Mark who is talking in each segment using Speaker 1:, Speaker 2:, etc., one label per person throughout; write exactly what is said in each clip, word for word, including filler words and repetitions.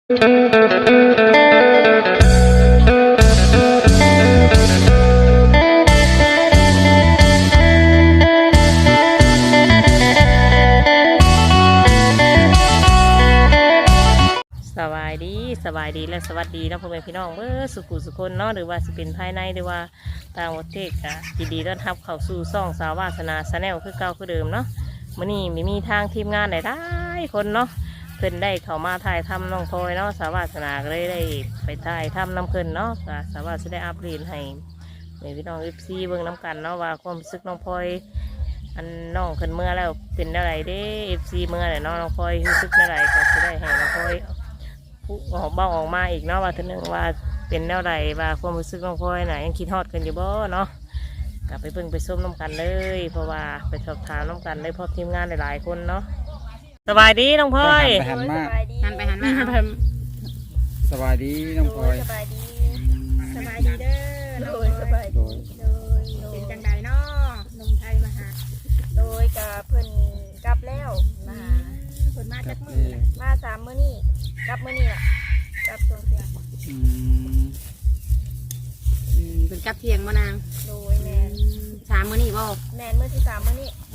Speaker 1: สบายดีสบายดีและสวัสดีนะพ่อแม่พี่น้องเมื่อสุขุสุคนเนาะหรือว่าสิเป็นภายในหรือว่าต่างประเทศก็ยินดีต้อนรับเข้าสู่ซ่องสาววาสนาชาแนลคือเก่าคือเดิมเนาะมื่อนี้มีมีทางทีมงานหลายๆคนเนาะเพิ่นได้เข้ามาถ่ายทำน้องพลอยเนาะสาววาสนาก็เลยได้ไปถ่ายทำน้ำเพิ่นเนาะก็สาววาสนาได้อัปเดตให้แม่พี่น้องเอฟซีเบิ่งน้ำกันเนาะว่าความรู้สึกน้องพลอยอันน้องเพิ่นเมื่อแล้วเป็นอะไรเด้เอฟซีเมื่อเนี่ยน้องน้องพลอยรู้สึกอะไรก็จะได้ให้น้องพลอยออกเบ้าออกมาอีกเนาะว่าทีนึงว่าเป็นแนวใดว่าความรู้สึกน้องพลอยน่ะยังคิดฮอดกันอยู่บ่เนาะกลับไปเบิ่งไปส้มน้ำกันเลยเพราะว่าไปสอบถามน้ำกันเลยเพราะทีมงานหลายๆคนเนาะสบายดีน้องพลอย
Speaker 2: หันมา
Speaker 3: หันไปหันมา
Speaker 2: สบายดีน้องพลอย
Speaker 3: สบายดีสบายดีเด้อโดยสบาย
Speaker 2: โดย
Speaker 3: โดยเป็นจังใดเนาะนมไทยมาหาโดยกับเพิ่นกลับแล้วมาหาเพิ่นมาจากมื้อมาสามมื้อนี้กลับมื้อนี้ล่ะกลับช่วงเที่ยง
Speaker 2: อืม
Speaker 4: อืมเป็นกับเทียงบ่นาง
Speaker 3: โดยแม่น
Speaker 4: สามมื้อนี่บ่
Speaker 3: แม่นมื้อที่สามมื้อนี้
Speaker 4: โอ้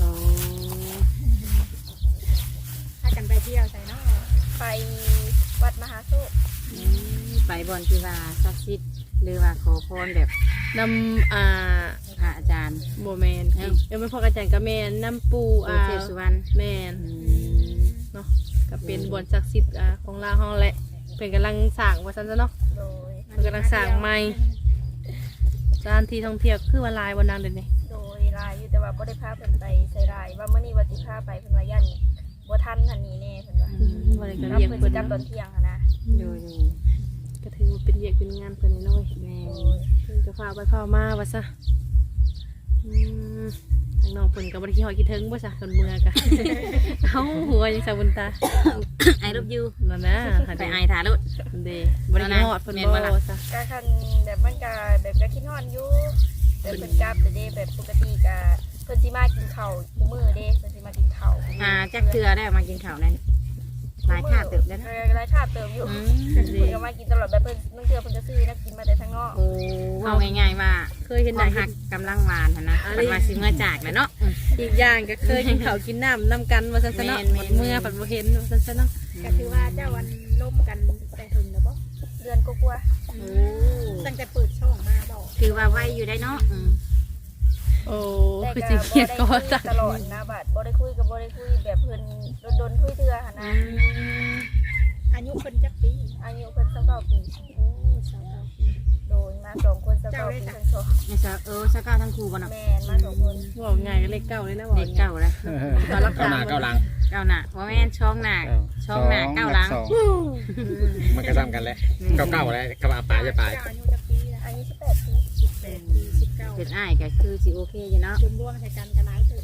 Speaker 3: พากันไปเที่ยวใส่เนาะไปวัดมหาโชค
Speaker 4: อืมไปบ่อนที่ว่าศักดิ์สิทธิ์หรือว่าขอพรแบบ
Speaker 5: นำอ่า
Speaker 4: พระอาจารย์
Speaker 5: โบแมน
Speaker 4: เอ้า
Speaker 5: เดี๋ยวไม่พออาจารย์กับแมนน้ำปู
Speaker 4: ปู่
Speaker 5: อ่า
Speaker 4: เทพสุวรรณ
Speaker 5: แมน
Speaker 4: อืม
Speaker 5: เนาะก็เป็นบอนศักดิ์สิทธิ์อ่าของลาวห้องแหละเป็นกำลังสร้างว่าซั่นซะเนาะ
Speaker 3: โดย
Speaker 5: เป็นกำลังสร้างใหม่สถานที่ท่องเที่ยวคือว่าลายวันนั้นเดี๋ยวนี้
Speaker 3: โดยลายอยู่แต่ว่าบ่ได้พาเพิ่นไปใส่ลายว่ามื้อนี้ว่าสิพาไปเพิ่นว่ายันบ่ทันทันนี้แน่เพิ่นว่า
Speaker 5: วันนี้ก็
Speaker 3: รับ
Speaker 5: เรียก
Speaker 3: เพิ่น
Speaker 5: เพิ่
Speaker 3: สิ
Speaker 5: น
Speaker 3: กลับตอนเที่ยงหั้นนะ
Speaker 4: ดูดู
Speaker 5: ก็ถือว่าเป็นเรียกเป็นงานเพิ่นน้อย
Speaker 4: แม่
Speaker 3: โดย
Speaker 5: เพิ่นก็พาไปพามาว่าซะอืมทางน้องเพิ่นก็บ่ได้ขี้หอยขี้เทิงบ่ซะคนเมืองกะ เอ้าหัวยังสาบุญตา
Speaker 4: ไอ้รูปยู
Speaker 5: นั่นนะหัน
Speaker 4: ไป
Speaker 5: ไป
Speaker 4: ไอ้ถ่ายรูป
Speaker 5: เด้บ่ได้ขี้หอดเพิ่นบ่ซะ
Speaker 3: ก็คันแบบมันก็แบบก็คิดฮอดอยู่แบบเพิ่นกลับแต่เด้แบบปกติก็เพิ่นสิมากินข้าวทุกมื้อเด้เพิ่นสิมากินข้าว
Speaker 4: อ่าจักเทือได้มากินข้าวนั่นหลายคาบเติบได้นะ
Speaker 3: เออหลายคาบเติบอยู่
Speaker 4: อืม
Speaker 3: เพิ่นก็มากินตลอดแบบเพิ่นบางเทื่อเพิ่นก็ซื้อนักกินมาแต่ทางนอก
Speaker 4: โอ้เอาง่ายๆว่า
Speaker 5: เคยเห็น
Speaker 4: ค
Speaker 5: หน้าว
Speaker 4: าม
Speaker 5: เห็
Speaker 4: หั
Speaker 5: น
Speaker 4: กกำลังหวานหั่นนะมันมาสิเมื่อจากนะเนาะอืม
Speaker 5: อีกอย่างก็เคยกินข้าวกินน้ำน้ำกันว่าซั่นซะเนาะ
Speaker 4: แม่นๆ
Speaker 5: เมื่อผัดบ่เห็นว่าซั่นซะเนาะ
Speaker 3: ก็คือว่าเจ้าวันล่มกันแต่ถึงแล้วบ่เดือนกว่า
Speaker 4: โอ้
Speaker 3: ๆตั้งแต่เปิดช่องมาบ่
Speaker 4: ถือว่าไวอยู่ได้เนาะอืม
Speaker 5: โอ้
Speaker 3: แต่
Speaker 5: คือ
Speaker 3: ก็
Speaker 5: สิ
Speaker 3: บ่
Speaker 5: เกียด
Speaker 3: ได้
Speaker 5: ก็
Speaker 3: คุ
Speaker 5: ว่าย จ้ะ
Speaker 3: ตลอดนะบัดบ่ได้คุยก็บ่ได้คุยแบบเพิ่นโดนๆคุยเทื่อหั่นนะ
Speaker 6: อายุคนจักปี
Speaker 3: อายุเพิ่นสิบเก้าปีโดยมาสองคนสิบเก้าปีทั้งสอง
Speaker 4: ไม่ทราบเออสักเก้าทั้งครูบ่เนาะ
Speaker 3: แม่นมาสองคน
Speaker 5: บอกง่ายก็เลขเก้าเลยนะบอก
Speaker 4: เด็กเก่าแล้ว
Speaker 5: ตอนรัก
Speaker 2: เก้า
Speaker 5: ษา
Speaker 2: หน้าเก้าหลัง
Speaker 4: เก้าหน้าว่าแม่นช่องหน้าช่องหน้าเก้าหลัง
Speaker 2: สองมันก็ซ้ำกันแหละเก้าเก้าอะไรกับอาปาจะปลาย
Speaker 6: อายุจักปีละ
Speaker 3: อายุสิบแปดปี
Speaker 6: สิบแปดปีสิบเก้า
Speaker 4: เป็นอ้ายก็คือสิโอเคอยู่เนาะ
Speaker 6: รวมรวมใส่กันกันหลายตัว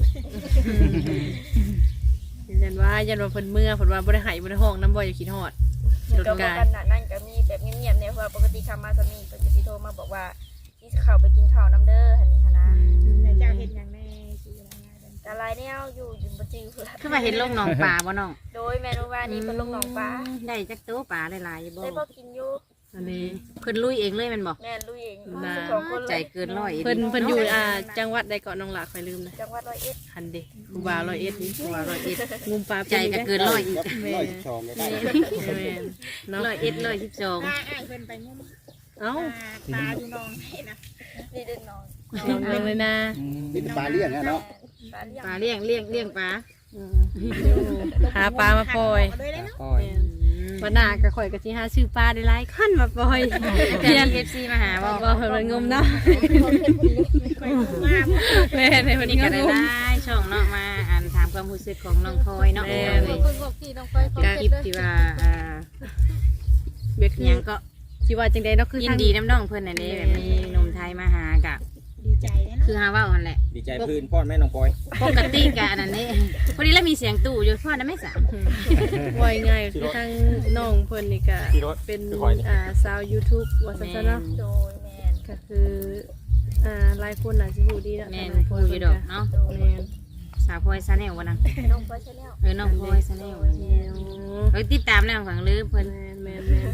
Speaker 5: ยันว่ายันว่าเพิ่นเมื่อเพิ่นว่าบ่ได้ใหายบ่ได้ห้องน้ำบ่อย่าคิดฮอด
Speaker 3: เดี๋ยวก็บ่กันน่ะนั่นก็มีแบบเงียบๆเนี่ยเพราะว่าปกติคำมาสามีเพิ่นจะสิโทรมาบอกว่าที่เข้าไปกินข้าวน้ำเด้อหั่นนี่หั่นนะ
Speaker 6: แต่เจ้าเห็นอย่างแน่ชื่ออะไรนะ
Speaker 3: แต่ลายแนวอยู่อยู่บ่จื้อเพิ่น
Speaker 4: คือว่าเห็นลงหนองปลาบ่น้อง
Speaker 3: โดยแม่รู้ว่านี่เพิ่นลงหนองปลา
Speaker 4: ได้จักตัวปลาหลายๆอยู่บ่
Speaker 3: ได้บ่กินอยู่
Speaker 5: อันนี้
Speaker 4: เพิ่นลุยเองเลยแมันบ่
Speaker 3: แม่ลุยเอง
Speaker 5: น่า
Speaker 3: สองคนเล
Speaker 4: ใจ
Speaker 3: ย
Speaker 4: เกินร้อย
Speaker 5: เพิ่นเพิ่นอยู่อ่าจังหวัดใดเกาะน้องหลากค่อยลืมนะ
Speaker 3: จังหวัดร้อยเอ็ด
Speaker 5: หันเด้ครูบาร้อยเอ็ดนี่
Speaker 4: ตัวร้อยเอ็ด
Speaker 5: งุมปลา
Speaker 4: ใจก็เกินร้อยอีก
Speaker 5: แม่
Speaker 2: ร้อยสิบสองก็ได้
Speaker 5: แม่เนาะ
Speaker 4: ร้อยเอ็ดร้อยสิบสอง
Speaker 6: ป้าอ้ายเพิ่นไปงุ้ม
Speaker 5: เอ้า
Speaker 6: ปลาอยู่นองให้นะ
Speaker 3: นี่เดินนอน
Speaker 5: ลองเบิ่งเลยนะ
Speaker 2: มีแต่ปลาเลี้ยงอะเนาะ
Speaker 3: ปลาเลี้ยง
Speaker 4: ปลาเลี้ยงเลี้ยงเลี้ยงปลา
Speaker 5: อืมหาปลามาปล่อย
Speaker 6: เลยเลยเนาะ
Speaker 2: ก้อย
Speaker 5: วันหน้าก็ข่อยก็สิหาซื้อปลาได้หลายคันมาปล่อย
Speaker 4: เพียนเอฟซีมาหาบ่
Speaker 5: บ่เพิ่นมันงมเนาะ
Speaker 6: ไปงุ้มมาก
Speaker 5: แม่ในวัน
Speaker 4: นี่
Speaker 5: นี้
Speaker 4: ก็
Speaker 5: ก็
Speaker 4: ได้
Speaker 5: งม
Speaker 4: ได้ช่องเนาะมาอ่านถามความรู้สึกของน้องพลอยเนาะ
Speaker 5: แม่
Speaker 4: เลย
Speaker 6: คนบอกพี่น้องไป
Speaker 4: เป็นคลิปที่ว่าอ่า
Speaker 5: เบียก
Speaker 4: หยังก็
Speaker 5: สิว่าจังได๋เนาะคือ
Speaker 4: ยิ
Speaker 5: ทาน ง
Speaker 4: ดีน้ำน้องเพิ่นน่ะเด้แบบมีหนุ่มไทยมาหากับ
Speaker 6: ดีใจเลย
Speaker 4: คือ
Speaker 6: เนาะ
Speaker 4: หาเว้าหั่นแหละ
Speaker 2: ดีใจพื้นพ่อแม่น้องปอย
Speaker 4: ปกติกะอันนั้นนี่พอดีแล้วมีเสียงตู้อยู่พ่อได้ไหมสาม
Speaker 5: ว่าง่ายคือทางน้องเพิ่นนี่ก็เป็นอ่าสาว YouTube ว่าซั่นซะเนาะ
Speaker 3: โดยแม่น
Speaker 5: ก็คืออ่าหลายคนน่ะสิฮู้ดีเนาะ
Speaker 4: แม่น
Speaker 5: ทาง
Speaker 4: พูดอยู่ดอกเนาะ
Speaker 3: โดย
Speaker 5: แม่น
Speaker 4: สาวพลอยซาแนลวะนะ
Speaker 3: น้องพลอยชาแนล
Speaker 4: เออน้องพลอยซาแนล
Speaker 5: แม่น
Speaker 4: เอ้ยติดตามแล้วฝั่งลือเพิ่น
Speaker 5: แม่นแม่นแม่น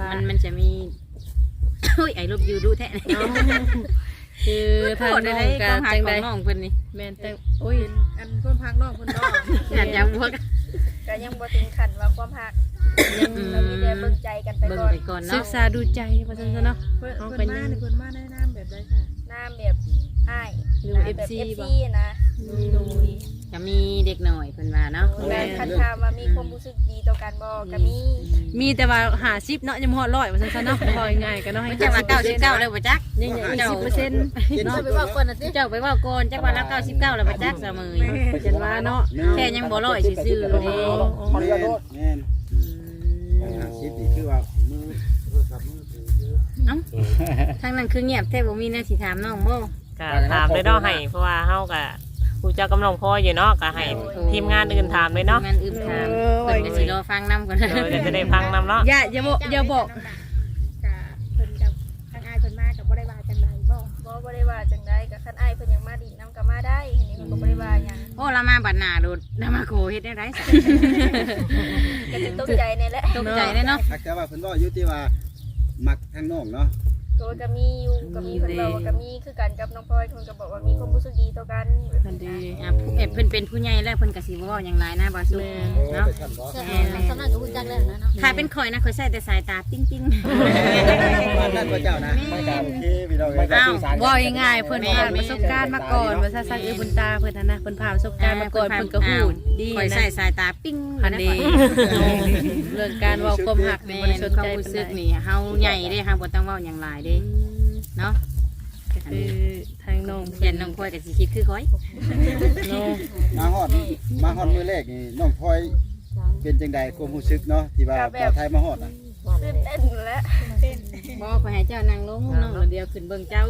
Speaker 4: มันมันจะมี โอ้ยไอ้ลบอยู่ดูแท้
Speaker 5: เนาะคือทางน้อง
Speaker 4: ก็
Speaker 5: ก็
Speaker 4: หา
Speaker 5: จัง
Speaker 4: ขอ
Speaker 5: ได๋
Speaker 4: งน้องเพิ่นนี่
Speaker 5: แม่นแต่โอ้ย
Speaker 6: อันเพิ่นพักน้องเพิ่นน้อง
Speaker 4: อยากจะบวก
Speaker 3: ก็ยังบ่ถึงขั้นว่าความหัก
Speaker 5: ยัง
Speaker 3: เรามีแต่เบิ่งใจกันไป
Speaker 4: เบิ่ง
Speaker 3: ก่อน
Speaker 4: ไปก่อน
Speaker 5: ศึ
Speaker 4: เนาะ
Speaker 5: กษาดูใจว่าซั่นซะเนาะ
Speaker 6: เพิ่น
Speaker 5: เอา
Speaker 6: เพิ่น
Speaker 5: ไป
Speaker 6: มา
Speaker 5: ยัง
Speaker 6: เนี่ยเพิ่นมาในน้ำแบบใดค่ะ
Speaker 3: น้ำแบบอ้าย
Speaker 5: หรือ
Speaker 3: น้ำ
Speaker 5: เอฟ
Speaker 3: แบบ
Speaker 5: ซี
Speaker 3: เอฟ
Speaker 5: บ่
Speaker 3: ซีนะ
Speaker 6: โดย
Speaker 4: จะมีเด็กหน่อยเพิ่นว่าเนาะ
Speaker 3: แม่คันถามว่ามีความรู้สึกดีต่อกันบ่ก็มี
Speaker 5: มีแต่ว่าห้าสิบเนาะยังบ่ฮอดร้อยว่าซั่นซะเนาะพอง่ายๆก็เนาะให้
Speaker 4: มันจะมาเก้าสิบเก้าแล้วบ่จัก
Speaker 5: ยังยังอีกสิบเปอร์เซ็นต์
Speaker 4: เนาะไปว่าก่อนน่ะสิเจ้าไปว่าก่อนจักว่าละเก้าสิบเก้าแล้วบ่จักเสมอ
Speaker 5: จันว่าเนาะ
Speaker 4: แค่ยังบ่ร้อยซื่อๆเด้
Speaker 2: ขออนุญาตโทษ
Speaker 7: แม่น
Speaker 4: อืม
Speaker 7: หาชิปนี่คือว่ามือโทรศัพท์มือถือคือ
Speaker 4: เอ้าทางนั้นคือเงียบแท้บ่มีแนวสิถามน้องบ่
Speaker 1: ก็ถามเลยเนาะให้เพราะว่าเฮาก็ผู้เจ้ากำลังพออยู่เนาะก็ให้ทีมงานอื่นถามเลยเนาะ
Speaker 4: งานอื่นถามเพิ่นก็สิรอฟังนํก่อน
Speaker 1: เดี๋ยวเดี๋ยวจะได้ฟังนำเนาะ
Speaker 5: อย่าอย่าบอกอย่าบอก
Speaker 6: กับเพิ่นกับทางอายเพิ่นมากับบ่ได้ว่าจังไดบ่
Speaker 3: บ่บ่ได้ว่าจังได๋ก็คันอ้ายเพิ่นยังมาดินน้ำก็มาได้อันนี้เพิ่นก็บ่ได้ว่าหยัง
Speaker 4: โอ้ละมาบัดหน้าโดดละมาโคเฮ็ดได้ไรสัก
Speaker 3: ก็สิตกใจนี่แหละ
Speaker 4: ตกใจเลยเนาะ
Speaker 7: ถ้าแต่ว่าเพิ่นเว้าอยู่ที่ว่ามักทางน้องเนาะ
Speaker 3: ก็ก็มีอยู่ก็มีเพิ่นบอกว่าก็มีคือกันกับน้องพลอยเพิ่นก็บอกว่ามีความรู้สึกดีต่อกัน
Speaker 5: ทันดี
Speaker 4: อ่ะเอ็ดเพิ่นเป็นผู้ใหญ่แล้วเพิ่นก็สิเว้าหยังหลายนะบ่สู้เนาะ
Speaker 7: แม่น
Speaker 4: แม่นสำนักก็ฮู้จักแล้วนะเนาะถ้าเป็นข่อยนะข่อยใส่แต่สายตาปิ๊ง
Speaker 7: บ้านนั่นพระเจ้านะไม่กล้าโอเคพี่น้องเอ้ย
Speaker 4: ๆอ้าว
Speaker 5: ว่าง่ายๆเพิ่นผ่านประสบการณ์มาก่อนว่าซะซักเอบุญตาเพิ่นน่ะนะเพิ่นผ่านประสบการณ์มาก่อนเพิ่นก็ฮู้ดี
Speaker 4: ข่อย
Speaker 5: นะ
Speaker 4: ใส่สายตาปิ๊ง
Speaker 5: อันดีเรื่องการเว้าความหักนี่
Speaker 4: แม่
Speaker 5: บ่ได้
Speaker 4: น
Speaker 5: สน
Speaker 4: ความ
Speaker 5: ใจ
Speaker 4: รู้
Speaker 5: ปาน
Speaker 4: สึ
Speaker 5: ใด
Speaker 4: กนี่เฮาใหญ่เด้เฮาบ่ต้องเว้าหยังหลายเด้เนาะ
Speaker 5: ก็คือทางน้อง
Speaker 4: เห็นน้องข่อยก็สิคิดคือข่อย
Speaker 5: เนาะ
Speaker 7: มาฮอดมาฮอดมื้อแรกนี่น้องพลอยเป็นจังใดความรู้สึกเนาะที่ว่าบ่าวไทยมาฮอดน่ะ
Speaker 3: ตื่นเต้นแล้ว
Speaker 4: บ่ข่อยให้เจ้านั่งลงน้องเดียวขึ้นเบิ่งเจ้า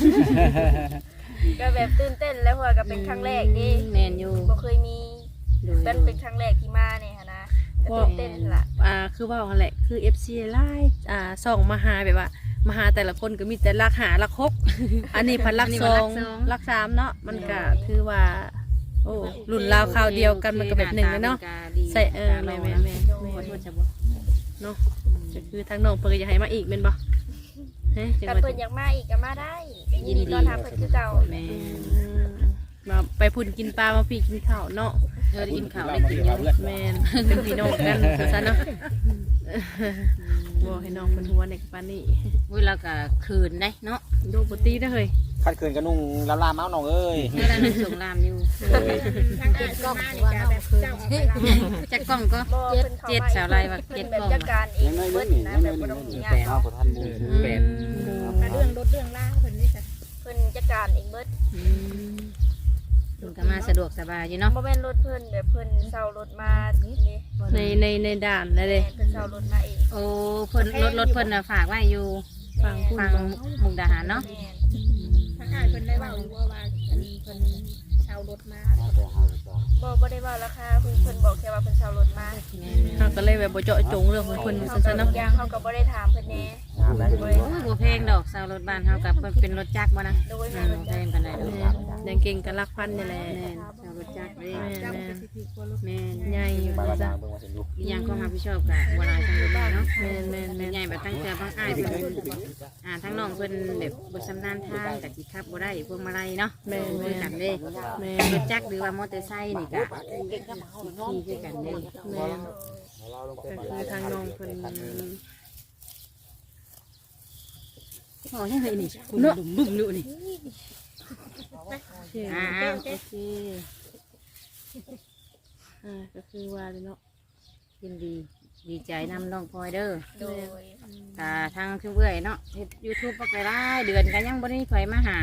Speaker 3: ก็แบบตื่นเต้นแล้วเพราะว่าก็เป็นครั้งแรกดิ
Speaker 4: แม่นอยู่
Speaker 3: บ่เคยมี
Speaker 4: ดู
Speaker 3: เป็นเป็นครั้งแรกที่มาเนี่ยหั้นนะก็ตื่นเต้นล่ะ
Speaker 5: อ่าคือเว้าหั่นแหละคือ เอฟ ซี ไลน์อ่าส่องมาหาแบบว่ามาหาแต่ละคนก็มีแต่ลักหาลักหกอันนี้พันลักสองลักสามเนาะมันก็ถือว่าโอ้รุ่นราวคราวเดียวกันมันก็แบบหนึ่งเลยเนาะใส่เออแม่แม่แม่
Speaker 4: ขอโทษจ้ะบ่
Speaker 5: เนาะก็คือทางน้องเพิ่นก็อยากให้มาอีกแม่นบ่เฮ้ยจัง
Speaker 3: กัน
Speaker 5: ว่า
Speaker 3: เพิ่นอยากมาอีกก็มาได้ก็ยินดีต้อนรับเพิ่นคือเก่า
Speaker 4: แม่
Speaker 5: อืมมาไปพุ่นกินปลามาพี่กินข้าวเนาะ
Speaker 4: เออได้กินข้าว
Speaker 7: เรา
Speaker 4: ได้
Speaker 7: มา
Speaker 4: กิน
Speaker 7: เรีย
Speaker 4: อน ยู่
Speaker 7: เพื่อน
Speaker 5: แม่นเป็นพี่น้องกันซะเนาะบ่ให้น้องเพิ่นหัวในปานนี้
Speaker 4: เวลาก็คืนได้เนาะ
Speaker 5: โดบ่ตีได้อเฮ้ย
Speaker 2: คัดคืนกระนุ่งลาลาเมาส์น้องเอ้ย
Speaker 4: เวลานึงส่งลามอยู่
Speaker 6: ทางอายเพิ่นมานี่ก็แบบเจ้าออกไปรับ
Speaker 4: จักกล้องก็
Speaker 3: บ่เพิ่นเข้า
Speaker 4: เจ็ด
Speaker 3: มา
Speaker 4: สาวไรว่า
Speaker 3: เพิ่
Speaker 4: เจ็
Speaker 3: น
Speaker 4: ด
Speaker 3: แบบ
Speaker 4: กล้อง
Speaker 3: จัดการเองเบิดนะแบบบ่ต้องยาก
Speaker 2: เฮาบ่ทันบูแปด
Speaker 6: เรื่องรถเรื่องล่างเพิ่นนี่จ้ะ
Speaker 3: เพิ่นจัดการเองเบิด
Speaker 4: อืมเพิ่นก็มาสะดวกสบายอยู่เนาะ
Speaker 3: บ่แม่นรถเพิ่นแบบเพิ่นเซารถมานี่
Speaker 5: ในในในด่านนั่นเด้
Speaker 3: แม่นเพิ่นเซารถมาเอง
Speaker 4: โอ้เพิ่นรถรถเพิ่นน่ะฝากไว้อยู่
Speaker 5: ฟังพูด
Speaker 4: ฟัง
Speaker 5: บ่
Speaker 4: มุกดาหารเนาะ
Speaker 3: แม่น
Speaker 6: ทางอายเพิ่นได้เว้าอยู่ว่าว่าอันนี้เพิ่นเช่ารถมา
Speaker 3: บ่บ่ได้ว่าราคาเพิ่นเพิ่นบอกแค่ว่าเพิ่นเซารถมา
Speaker 5: เฮาก็เลยแบบบ่เจาะจงเรื่องของเพิ่น
Speaker 3: เฮา
Speaker 5: ซั่น
Speaker 3: ก็
Speaker 5: ซะเนาะ
Speaker 3: อย่างเฮาก็บ่ได้ถามเพิ่นแน่บ่ได้
Speaker 4: โอ้บ่แพงดอกสาวรถบ้านเฮากับเป็นรถจักรบ่นะ
Speaker 3: โดย
Speaker 4: อื
Speaker 3: แม่
Speaker 4: ม
Speaker 3: เพิ่น
Speaker 4: บ่แพ
Speaker 3: จัด
Speaker 4: งปานใดดอก
Speaker 5: แม่นยังเก่งกันลักพันนี่แหละ
Speaker 4: แม่นสาวรถจักรเด้
Speaker 5: แม่น
Speaker 6: เจ้า
Speaker 5: แม่
Speaker 6: ก็
Speaker 5: น
Speaker 6: สิถือกลัวรถ
Speaker 4: แม่น
Speaker 5: ใหญ่
Speaker 2: ไปว่า
Speaker 5: จ้ะ
Speaker 2: ทางเบิ่งว่าสิอยู่
Speaker 4: อีหยังความรับผิดชอบก็บ่หลายทางนี้เนาะ
Speaker 5: แม่นแม่นแม่น
Speaker 4: ใหญ่แบบตั้งแต่บางอ้ายเพิ่นอ่าทั้งน้องเพิ่นแบบบ่ชำนาญทางแต่สิขับบ่ได้พวงมาลัยเนาะ
Speaker 5: แม่น
Speaker 4: คุ
Speaker 5: แม่
Speaker 4: ยกัน
Speaker 5: น
Speaker 4: เด้
Speaker 5: แม่
Speaker 4: ร
Speaker 5: น
Speaker 4: ถจักรหรือว่ามอเตอร์ไซค์นี่ก็ขี่คือกันเด้
Speaker 5: แม่นก็คือทางน้องเพิ่น
Speaker 4: โอ้ยเฮ้ยนี่เนาะบึ้มๆอยู่นี่
Speaker 5: เชื่อ
Speaker 4: อ่าโอเค
Speaker 5: อ่าก็คือว่าเลยเนาะ
Speaker 4: ยินดีดีใจนำน้องพลอยเด้อ
Speaker 3: โดย
Speaker 4: กาทางคือเบื่อยเนาะเฮ็ด YouTube ปักไปได้เดือนก็ยังบ่ได้ไผมาหา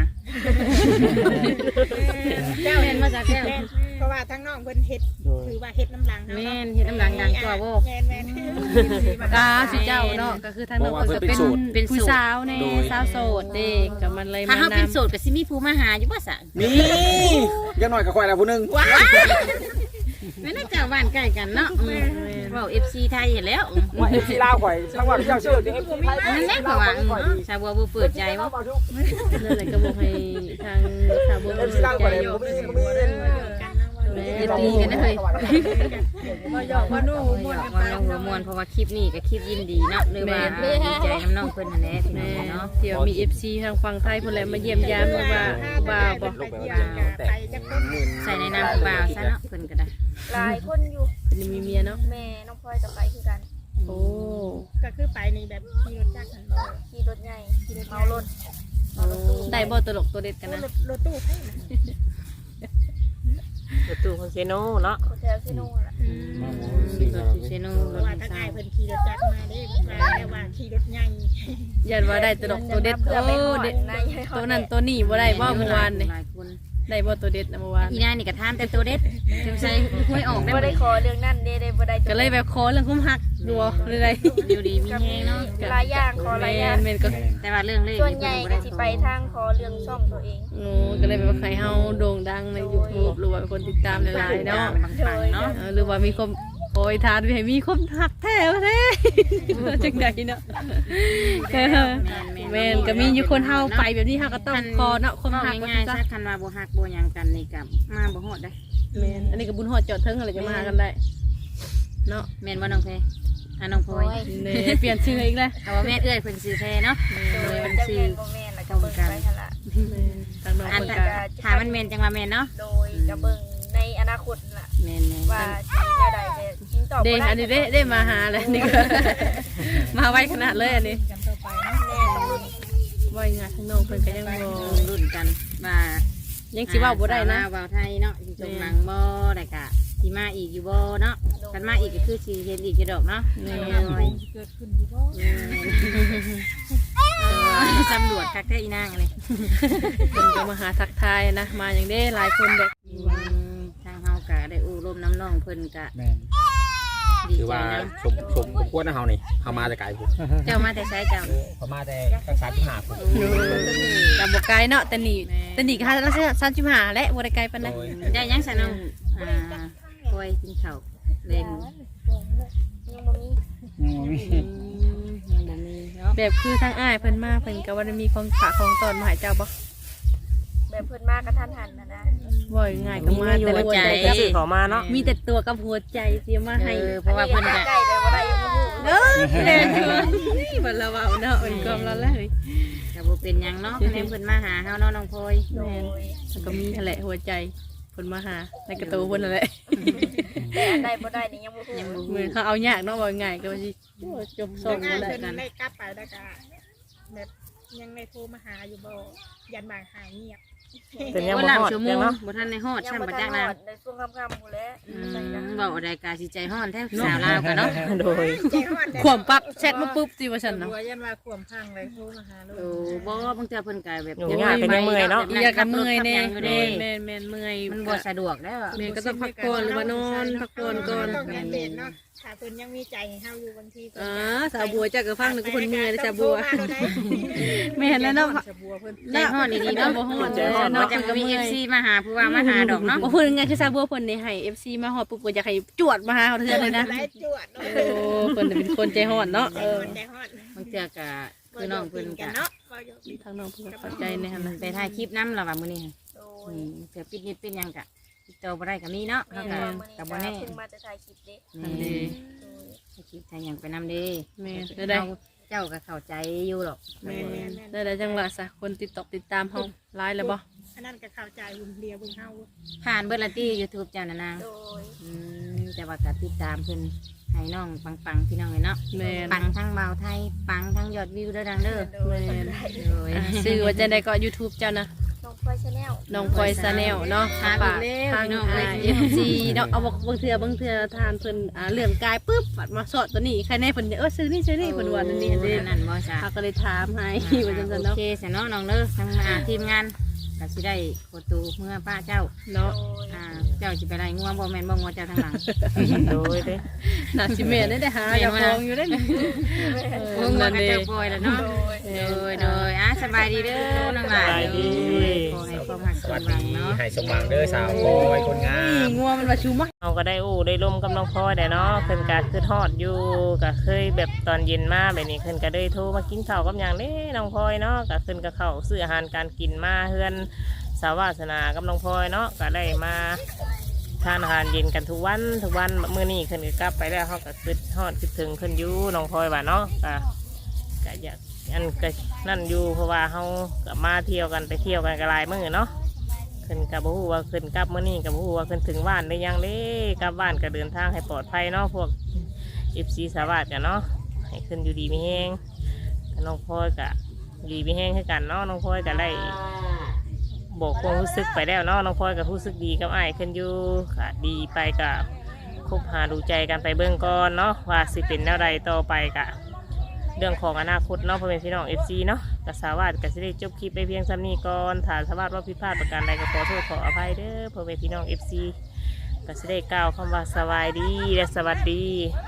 Speaker 6: เจ้า
Speaker 4: แม่นมาจากแก้ว
Speaker 6: แม่นเพราะว่าทางน้องเพิ่นเฮ็ดถือว่าเฮ็ดน้ำลังเฮา
Speaker 4: แม่
Speaker 6: เนาะ
Speaker 4: นเฮ็ดน้ำหลังดังกว่าบ่
Speaker 6: แม่นแม่น
Speaker 5: กาสิเจ้าเนาะก็คือทางน้องเพิ่นก็เป็น
Speaker 4: เป็น
Speaker 5: ผู้
Speaker 4: โสด
Speaker 5: สาวแน่สาวโสดเด้ก็มันเลย
Speaker 4: ถ้า
Speaker 5: มา
Speaker 4: เฮาเป็น
Speaker 5: นำ
Speaker 4: โสดก็สิมีผู้มาหาอยู่บ่ซะ
Speaker 2: มียังน้อยก็ค่อยแล้วผู้หนึง
Speaker 4: แม่นเจ้าบ้านใกล้กันเนาะอืมเว้า เอฟ ซี ไทยเห็นแล้วอืม
Speaker 2: ว่าเอฟซีลาวข่อยทั้งว่าเจ้าชื่อเอฟซีไทย
Speaker 4: นั่นแหละเพราะว่าอืมชาวบัวบ่เปิดใจบ่
Speaker 5: นั่นแหละก็บอกให้ทางชาวบ้าน
Speaker 2: เอฟซี
Speaker 5: สน
Speaker 2: ลาว
Speaker 5: ใจ
Speaker 2: ข่อย
Speaker 5: อยู่
Speaker 2: บ่มีบ่มี
Speaker 6: กันเนาะว่า
Speaker 5: โดแม่
Speaker 4: เย็นดีกันนะเฮ้ย
Speaker 6: บ่หยอกบ่นู่
Speaker 4: โอ้ย
Speaker 6: ม่วน
Speaker 4: อ
Speaker 6: กัน
Speaker 4: ว่า
Speaker 6: ไป
Speaker 4: น้องหัวมวนเพราะว่าคลิปนี้กับคลิปยินดีเนาะหรือว่าดีใจน้ำน้องเพิ่นนั่นแหละพี่น้
Speaker 5: แม่
Speaker 4: องเนาะ
Speaker 5: เดี๋ยวมี เอฟ ซี ทางฝั่งไทยเพิ่นแหละมาเยี่ยมยามว่าว่าบ่าวบ่
Speaker 6: ไปเที่ยวกันไปจักคน
Speaker 4: ใส่ในน้ำบ่าวซะเนาะเพิ่นก็ได้
Speaker 3: หลายคนอยู่
Speaker 5: เพิ่นมีเมียเนาะ
Speaker 3: แม่น้องพลอยกับไปคือกัน
Speaker 5: โอ้
Speaker 6: ก็คือไปในแบบขี่รถจักรหันบ่
Speaker 3: ขี่รถใหญ่เมารถเมารถตู้
Speaker 5: ได้บ่ตลกตัวเด็ดกันนะ
Speaker 6: รถรถตู้ให้นะ
Speaker 1: ประตูของเซโนเนาะ
Speaker 3: โคเทลซิโน่ล่ะ
Speaker 6: อืม
Speaker 4: รถเซโน
Speaker 6: เพ
Speaker 4: ร
Speaker 6: ราะ
Speaker 4: ถ
Speaker 6: ว่า
Speaker 4: ดี
Speaker 6: ถ้า
Speaker 4: ไซ
Speaker 6: อ้าย
Speaker 4: น์
Speaker 6: เพิ่นขี่รถจักรมาเด้มาแล้วว่าขี่รถใหญ่
Speaker 5: ยันว่าได้ตลกตัวเด็ด
Speaker 3: เพื่อไป
Speaker 5: โอ้
Speaker 3: หอด
Speaker 5: เด็ด
Speaker 3: ใน
Speaker 5: ตัวนั้นตัวนี้บ่ได้บ่เมื่อวานนี่
Speaker 4: หลายคน
Speaker 5: ได้บ่ตัวเด็ดนะเมื่อวาน
Speaker 4: อีนายนี่ก็ถามแต่ตัวเด็ดจงใส่ห้วยออกได้
Speaker 3: บ่
Speaker 4: บ่
Speaker 3: ได้ขอเรื่องนั้นเด้ได้บ่ได้
Speaker 5: ก็เลยแบบขอเรื่องคุ้มหักดูเอาหรือได
Speaker 4: อยู่ดีมีแฮงเนาะ
Speaker 3: หลายอย่างขอห
Speaker 5: แม
Speaker 3: ลายอย่าง
Speaker 5: นแมนก็
Speaker 4: แต่ว่าเรื่องเลข
Speaker 3: ส่วนใหญ่ก็สิไปทางขอเรื่องช่องตัวเอง
Speaker 5: โอ้ก็เลยแบบว่าใครเฮาโด่งดังใน YouTube หรือว่าเป็นคนติดตามหลายๆเนาะ
Speaker 4: บางปังเนาะ
Speaker 5: เออหรือว่ามีความโอยทานไปให้มีความหักแท้แท้จังไดเนาะแม่นก็มีอยู่คนเฮาไปแบบนี้เฮาก็ต้องคอเนาะคน
Speaker 4: บอก
Speaker 5: หักว่า
Speaker 4: ง่ายๆ
Speaker 5: ซะ
Speaker 4: ซะคันว่าบ่ฮักบ่หยังกันนี่ก็มาบ่ฮอดได้
Speaker 5: แม่นอันนี้ก็บุญฮอดจอดเทิงอะไรจะมาหากันได้เนาะ
Speaker 4: แม่นบ่น้องเพอ่ะน้องพลอย
Speaker 5: เน่เปลี่ยนชื่ออีกแล้ว
Speaker 4: เอาว่าแม่เอื้อยเพิ่นซื้อแพเนาะ
Speaker 3: โดย
Speaker 4: เพิ่น
Speaker 3: จัก
Speaker 4: ซื้อ
Speaker 3: แม่นบ่แม่นแล้วก็เบิ่งไปหั่นล่ะ
Speaker 5: ทางน้อง
Speaker 4: อัน
Speaker 5: เพิ่น
Speaker 4: ถ้า
Speaker 5: ก็
Speaker 4: ถ้ามันแม่นจังว่าแม่นเนาะ
Speaker 3: โดยก็เบิ่งในอนาคตล่ะ
Speaker 4: แม่นๆ
Speaker 3: ว่าสิแนวใดจะทิ้งตอบ
Speaker 5: เด้
Speaker 3: บ่ได้
Speaker 5: อันนี้ได้ได้มาหาเลยนี่ก็ มาไวขนาดเลยอันนี้
Speaker 6: กันต่อไปเนาะ
Speaker 3: แน่ต้องรุ่น
Speaker 5: ไวงานทางน้องเพิ่นก็ยังบ่
Speaker 4: รุ่นกันว่า
Speaker 5: ยังสิเว้าบ่ได้นะ
Speaker 4: สาวลาวเว้าไทยเนาะสิจงหลังบ่ได้กะสิมาอีกอยู่บ่เนาะคันมาอีกก็คือสิเห็นอีกอยู่ดอกเนาะ
Speaker 5: แม่
Speaker 6: เกิดขึ้นอยู่บ่
Speaker 4: ตำรวจคักแท้อีนางอันนี้
Speaker 5: เพิ่นก็มาหาทักทายนะ มาอย่างเด้หลายคนเด็ก
Speaker 4: ทางเฮาก็ได้อู้ร่มน้ำน้องเพิ่นก็
Speaker 7: แม่น
Speaker 4: ดี
Speaker 2: คือ
Speaker 4: ใจ
Speaker 2: ว่า
Speaker 4: นะ
Speaker 2: สมสมควรนะเฮานี่เฮามาแต่ไกลพุ่น
Speaker 4: เจ้ามาแต่ไสเจ้า
Speaker 2: เฮามาแต่รักษาที่หาพุ่น
Speaker 5: กับบ่ไกลเนาะแต่นี่แต่นี่ก็หาละสามสิบห้าและบ่ได้ไกลปานใด
Speaker 2: โดย
Speaker 4: ได้ยังซะน้องอ่าคอยกินข้าวเล่น
Speaker 3: ยังบ่มี
Speaker 7: ยังบ่มี
Speaker 4: อืมยังบ่มีเนาะ
Speaker 5: แบบคือทางอ้ายเพิ่นมาเพิ่นก็ว่าได้มีของฝากของตอนมาให้เจ้าบ่
Speaker 3: แบบเพิ่นมากระทันหันนะนะ
Speaker 5: บ่ง่ายก็มาแต่ละหัวใจ
Speaker 1: ก็ซื้อเขอมาเนาะ
Speaker 5: มีแต่ตัวกับหัวใจเสียมาให้
Speaker 4: เออเพราะว่าเพิ่นก็
Speaker 3: ใกล้ไปบ่ได้ยังบ่ฮู้
Speaker 5: เด้อแม่นคือนี่บ่ละเว้าเนาะเป็นความละเลย
Speaker 4: ก็บ่เป็นหยังเนาะคะแนนเพิ่นมาหาเฮาเนาะน้องพลอย
Speaker 3: โดย
Speaker 5: แล้วก็มีนั่นแหละหัวใจเพิ่นมาหาในกระตูเพิ่นนั่นแหละ
Speaker 3: แต่อันใดบ่ได้นี่ยังบ่ฮู้
Speaker 4: ยังบ่
Speaker 5: เหมือนเขาเอายากเนาะว่าง่ายก็ว่าสิจบส่ง
Speaker 6: ง่า
Speaker 5: บ่
Speaker 6: ย
Speaker 5: ได้
Speaker 6: เพิ่นได้กลับไปแล้วก็แบบยังได้โทรมาหาอยู่บ่ยันบางหายเงียบ
Speaker 1: เป็นยัง
Speaker 4: บ่
Speaker 1: บ่
Speaker 4: หลับ
Speaker 1: ฮอด
Speaker 4: ชั่วโม
Speaker 1: ยัง
Speaker 4: ง
Speaker 1: เนาะ
Speaker 4: บ่ทันได้ฮอด
Speaker 3: ยัง
Speaker 4: ซ้ํ
Speaker 3: บ่
Speaker 4: บ่
Speaker 3: ทั
Speaker 4: จั
Speaker 3: น
Speaker 4: ก
Speaker 3: ฮ
Speaker 4: นะ
Speaker 3: อดในช่วงค่ำๆพู้นแหล้ว
Speaker 4: อืมเว้าได้กาสิใจฮ้อนแท้สาวลาวกันเนาะ
Speaker 1: โดย
Speaker 6: ใจฮอด
Speaker 5: ขวมปั๊บแชทมาปุ๊บสิว่าซั่นเนาะ
Speaker 6: บัวยันว่าขวมพังเลยโทรมาหาลูก
Speaker 4: โอ้บ่บางเทื่อเพิ่นก็แบบ
Speaker 1: อยู่ง่ายเป็นยังเมื่อยเนาะ
Speaker 5: อยากกับเมื่อยแน่
Speaker 4: ขับรถขับหยังอยู่
Speaker 5: แม่
Speaker 4: เด้
Speaker 5: นแม่นแม่นเมื่อย
Speaker 4: มันบ่สะดวกแล้ว
Speaker 5: แม่ก็ต้องพักผ่อนหรือว่านอนพักผ่อนก่อน
Speaker 6: ต้องการเด่นเนาะถ้าเพิ่นยังมีใจให้เฮาอยู่บางที
Speaker 5: อ๋อสาวบัวจักก็ฟังนึกว่าเพิ่นเมื่อยนะสาวบัวแม่นแล้วเนาะ
Speaker 6: สาวบัวเพิ่น
Speaker 4: ใจฮ้อนดีๆเนาะ
Speaker 5: บ่ฮ้อน
Speaker 1: ใจฮ้อน
Speaker 4: เนาะ
Speaker 1: เนาะ
Speaker 4: จังมี เอฟ ซี มาหาผู้ว่ามาหาดอกเนาะ
Speaker 5: บ่พูดง่ายๆคือสาวบัวเพิ่นนี่ให้ เอฟ ซี มาฮอดปุ๊บก็อยากให้จวดมาหาเฮาเทื่อเลยนะ
Speaker 6: ได้จวดเนาะ
Speaker 5: โอ้เพิ่นน่ะเป็นคนใจฮ้อนเนาะ
Speaker 6: ใจ
Speaker 5: เออ
Speaker 6: ฮอดใจฮอด
Speaker 4: บางเทื่อก็คือน้องเพิ่นก็
Speaker 6: เนาะบ่อยู่
Speaker 5: ทางน้องเพิ่นก็เข้าใจในหั่นน่ะ
Speaker 4: ไปถ่ายคลิปนำล่ะว่ามื้อนี้
Speaker 3: โด
Speaker 4: อื
Speaker 3: ย
Speaker 4: มเทื่อปิดนิดปิดหยังก็ติดต่อบ่ได้ก็มีเนาะ
Speaker 3: แม่
Speaker 4: เฮาก็
Speaker 3: ว่ามื้อ
Speaker 4: ก็
Speaker 3: นี้
Speaker 4: บ่
Speaker 3: ก็
Speaker 4: แน่
Speaker 3: เพิ่งมาจะถ่ายคลิปเด้
Speaker 5: อันนี้
Speaker 4: ถ่ายคลิปถ่ายหยังไปนำเด้
Speaker 5: แม่นได้ได้
Speaker 4: เจ้าก็เข้าใจอยู่หรอก
Speaker 5: แม่นได้ได้จังหวะซะคนติดตอกติดตามเฮาหลายแล้วบ่
Speaker 6: อันนั้นก็เข้าใจหุ่นเดียวเบิ่งเฮา
Speaker 4: ผ่านเบิดละตี้ YouTube เจ้าน่ะนาง
Speaker 3: โดย
Speaker 4: อืมแต่ว่าก็ติดตามเพิ่นให้น้องปังๆพี่น้องเลยเนาะ
Speaker 5: แม่น
Speaker 4: ปังทั้งเบาไทยปังทั้งยอดวิวเด้อดังเด้อ
Speaker 3: โดย
Speaker 5: แม่น
Speaker 4: โดย
Speaker 5: อ่ะชื่อว่าจังได๋ก็ YouTube เจ้านะ
Speaker 3: น้องพลอยชาแนล
Speaker 5: น้องพลอยซาแนลเนาะ
Speaker 4: ถามอีกแล้ว
Speaker 5: ทาง
Speaker 4: พี่น้อง
Speaker 5: อ่า
Speaker 4: เลย
Speaker 5: เอฟซีเนาะเอาบอกบางเทื่อบางเทื่อทานเพิ่นอ่าเรื่องกายปุ๊บปัดมาสอดตัวนี้ใครแน่เพิ่นเออซื้อนี่ซื้อนี่เพิ่นว่านั่นนี่อันนี้
Speaker 4: นั่นบ่จ้ะ
Speaker 5: เขาก็เลยถามให้ว่าจังซั่น
Speaker 4: โอ
Speaker 5: เนาะ
Speaker 4: เคเสยเนาะน้องเด้อทั้งอ่าทีมงานก็สิได้โคตูเมื่อป้าเจ้า
Speaker 5: เนาะ
Speaker 3: โดย
Speaker 4: อ่าเจ้าสิไปไล่งัวบ่แม่นบ่งัวเจ้าทางหลัง
Speaker 1: โดยเด้
Speaker 5: น่าสิแม่นได้ได้หาเจ้าของอยู่ได้นี่เอ
Speaker 4: งั
Speaker 5: อ
Speaker 4: ว
Speaker 5: นั่น
Speaker 4: ก็
Speaker 5: เด้
Speaker 4: เจ้าปล่อยแล้วเนาะ
Speaker 3: โดย
Speaker 4: โดยโดยอ่ะสบายดีเด้อน้องหลาน
Speaker 1: สบายดี
Speaker 4: ขอให้ความรัก
Speaker 2: ส
Speaker 4: ส
Speaker 2: วั
Speaker 4: ม
Speaker 2: ส
Speaker 4: หวั
Speaker 2: ดี
Speaker 4: งเนาะ
Speaker 2: ให้สมหวังเด้อสาวโอยคนงา
Speaker 5: นี่
Speaker 2: ม
Speaker 5: งัวมันว่าชูมา
Speaker 1: เราก็ได้อู้ได้ร่มกับน้องพลอยได้เนาะเพิ่นก็คือทอดอยู่ก็เคยแบบตอนเย็นมาแบบนี้เพิ่นก็ได้โทรมากินข้าวกับหยังเด้น้องพลอยเนาะก็เพิ่นก็เข้าซื้ออาหารการกินมาเฮือนสาวาสนากับน้องพลอยเนาะก็ได้มาทานอาหารเย็นกันทุกวันทุกวันมื้อนี้ขึ้นก็กลับไปแล้วเขาก็คิดฮอดคิดถึงขึ้นอยู่น้องพลอยว่าเนาะก็ก็อยากอันก็นั่นอยู่เพราะว่าเขาก็มาเที่ยวกันไปเที่ยวกันกระไรมื้อเนาะขึ้นกับบูว่าขึ้นกลับมื้อนี้กับบูว่าขึ้นถึงบ้านได้ยังเด้กลับบ้านก็เดินทางให้ปลอดภัยเนาะพวกเอฟซีสวัสดิ์กันเนาะให้ขึ้นอยู่ดีไม่แห้งน้องพลอยก็ดีไม่แห้งให้กันเนาะน้องพลอยก็ได้บอกความรู้สึกไปแล้วเนาะน้องพลอยก็รู้สึกดีกับไอ้ายขึ้นอยู่ค่ะดีไปกับคบหาดูใจกันไปเบื้องก่อนเนาะว่าสิเป็นแนวใดต่อไปกะเรื่องของอนาคตเนาะพ่อแม่พี่น้องเอฟซีเนาะกสาวาสก็สิได้จบคลิปไปเพียงซ้ำนี้ก่อนถ้าสาวาสว่าผิดพลาดประการใดก็ขอโทษขออภัยเด้อพ่อแม่พี่น้องเอฟซีก็สิได้กล่าวคำว่าสบายดีและสวัสดี